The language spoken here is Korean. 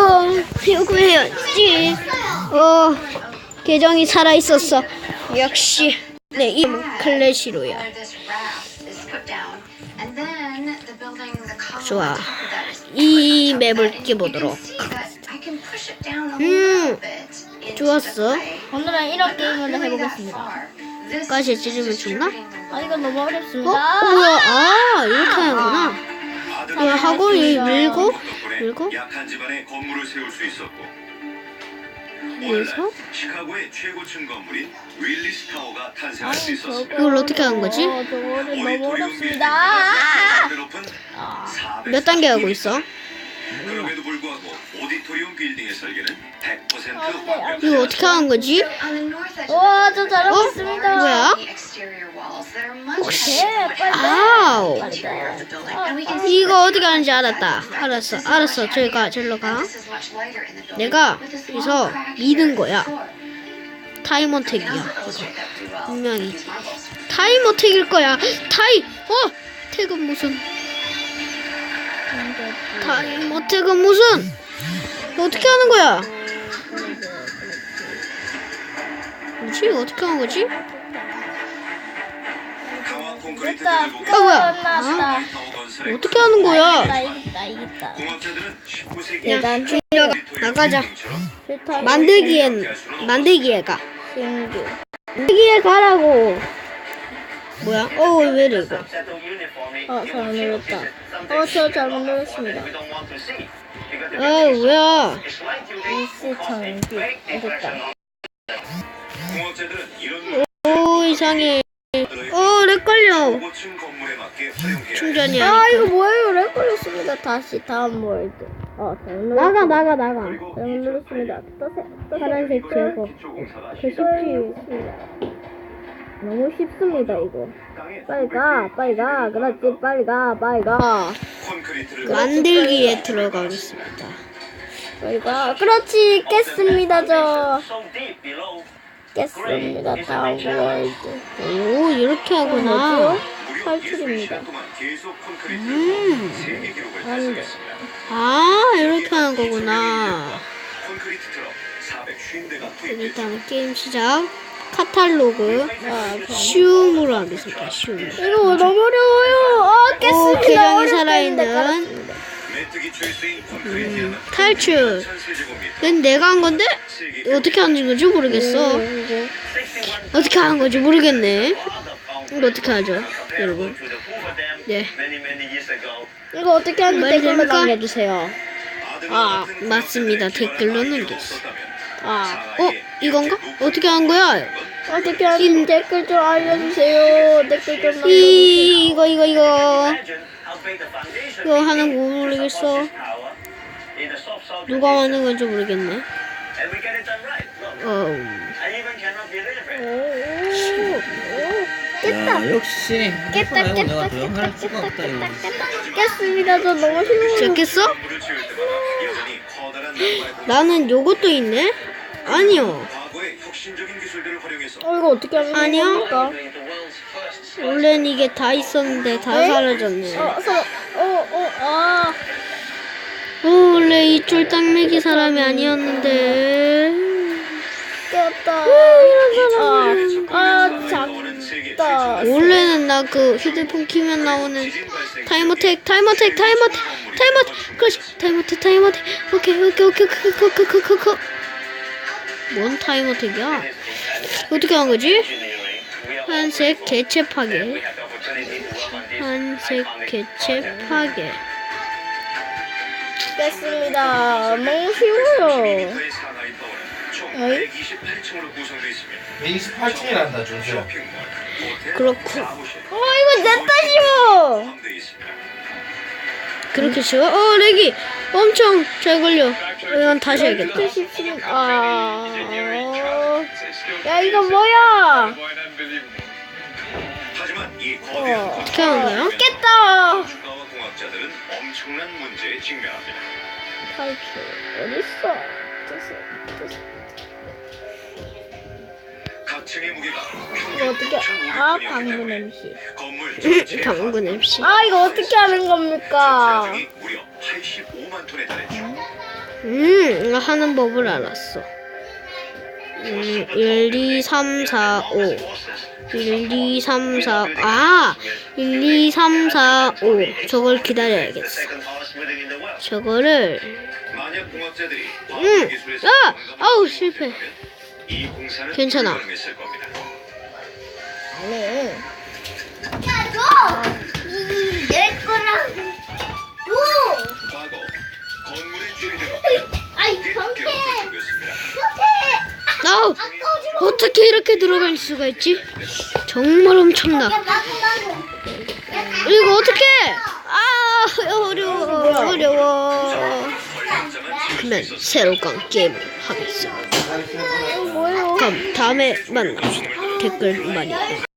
요구해야지. 계정이 살아있었어. 역시 내 이름은 클래시로야. 좋아, 이 맵을 깨보도록. 좋았어. 오늘은 이런 게임을 해보겠습니다. 가시 찢으면 죽나? 아, 이거 너무 어렵습니다. 뭐야? 이렇게 하는구나. 이거 하고 밀고 약한 집안에 건물을 세울 수 있었고 그래서 시카고의 최고층 건물인 윌리스 타워가 탄생할 수 있었습니다. 이걸 어떻게 하는 거지? 저거는 너무 어렵습니다. 몇 단계 하고 있어? 그럼에도 불구하고 오디토리움 빌딩의 설계는 100% 완벽. 이거 어떻게 하는 거지? 와, 저 잘하고 있습니다. 뭐야? 혹시 빨리. 아우, 이거 어떻게 하는지 알았다. 알았어. 절로 가. 내가 여기서 미는 거야. 타임어택이야. 분명히 타임어택일 거야. 택은 무슨? 타임어택은 무슨? 어떻게 하는 거야? 뭐지? 어떻게 하는 거지? 강화 콘크리트 됐다. 제조가 뭐야? 끝났다. 타워 건설에 어떻게 하는 거야? 이겼다. 공업자들은 19세기 계단 나가자. 필터 만들기에 가. 신규. 만들기에 가라고. 뭐야? 왜 이래 이거? 잘못 눌렀다. 저 잘못 눌렀습니다. 뭐야? 일시 정비. 됐다. 공업자들은 이런 이상해. 렉 걸려. 고층 건물에 맞게 활용해야 충전이 아, 아니까. 이거 뭐예요? 렉 걸렸습니다. 다시 다음 월드. 나가. 잘못 눌렀습니다. 파란색 제거. 쉽습니다. 너무 쉽습니다, 이거. 빨리 가. 그렇지, 빨리 가. 콘크리트를 만들기에 들어가겠습니다. 빨리 가. 그렇지, 깼습니다, 저. 깼습니다, 다음 월드. 이렇게 하구나. 무려 탈출입니다. 60시간 동안 계속 콘크리트를 세계 기록을 안 돼. 달성했습니다. 이렇게 하는 거구나. 콘크리트 트럭 450대가 투입됐습니다. 일단 게임 시작. 카탈로그. 쉬움으로 하겠습니다. 쉬움. 이거 너무 어려워요. 깼습니다. 계정이 어렵게 살아있는 했는데 깔았습니다. 메뚜기초에 쓰인 콘크리트는 탈출. 1000세제곱미터. 근데 내가 한 건데? 어떻게 하는 건지 모르겠어. 어떻게 하는 건지 모르겠네. 이거 어떻게 하죠, 여러분? 네. 이거 어떻게 하는지 말이 댓글로 됩니까? 남겨주세요. 맞습니다. 댓글로 남겼어. 이건가? 어떻게 하는 거야? 어떻게 하는지 댓글 좀 알려주세요. 댓글 좀 남겨주세요. 이거 하는 거 모르겠어. 누가 하는 건지 모르겠네. 야, 역시 깼다, 말고 깼다, 내가 더 영할 수가 없다 이거. 깼습니다. 저 너무 힘들어요. 시작했어? 물을 치울 때마다 여전히 커다란 나무의 나는 요것도 있네? 아니요. 과거의 혁신적인 기술들을 활용해서 이거 어떻게 하는 아니요. 겁니까? 원래는 이게 다 있었는데 다 사라졌네. 원래 이 쫄딱매기 사람이 아니었는데. 깼다. 작다. 원래는 나 그 휴대폰 키면 나오는 타임어택. 그렇지. 타임어택. 오케이. 뭔 타임어택이야? 어떻게 한 거지? 한색 개체 파괴. 깼습니다. 너무 쉬워요. 상하이 타워는 총 어이? 128층으로 구성되어 있으며 128층이란다 준수야. 쇼핑몰, 호텔, 그렇고. 사무실, 이거 냈다 쉬워. 포함되어 있습니다. 그렇게 쉬워? 렉이 엄청 잘 걸려. 이건 다시 해야겠다. 야, 이거 뭐야? 하지만 이 거대한 어떻게 하는 거야? 깼다. 주가와 공학자들은 엄청난 문제에 직면합니다. 탈출 어딨어? 각 층의 무게가 이거 평균 어떻게? 9,500톤이었기 방구 때문에 냄새. 건물 전체의 당근 MC. 이거 어떻게 하는 겁니까? 전체적이 무려 85만 톤에 달했죠. 하는 법을 알았어. 1, 2, 3, 4, 5. 1, 2, 3, 4, 1, 2, 3, 4, 5. 저걸 기다려야겠어. 저거를, 만약 공학자들이 아우, 실패. 이 공사는 괜찮아. 불가능했을 겁니다. 네. 내 거랑 줘. 과거 건물의 주인으로 아이 꽤 경태. 경쟁했습니다. 아우, 어떻게 이렇게 들어갈 수가 있지? 정말 엄청나. 이거 어떻게? 어려워. 그러면 새로운 게임을 하겠어. 뭐예요? 그럼 다음에 만납시다. 댓글 많이.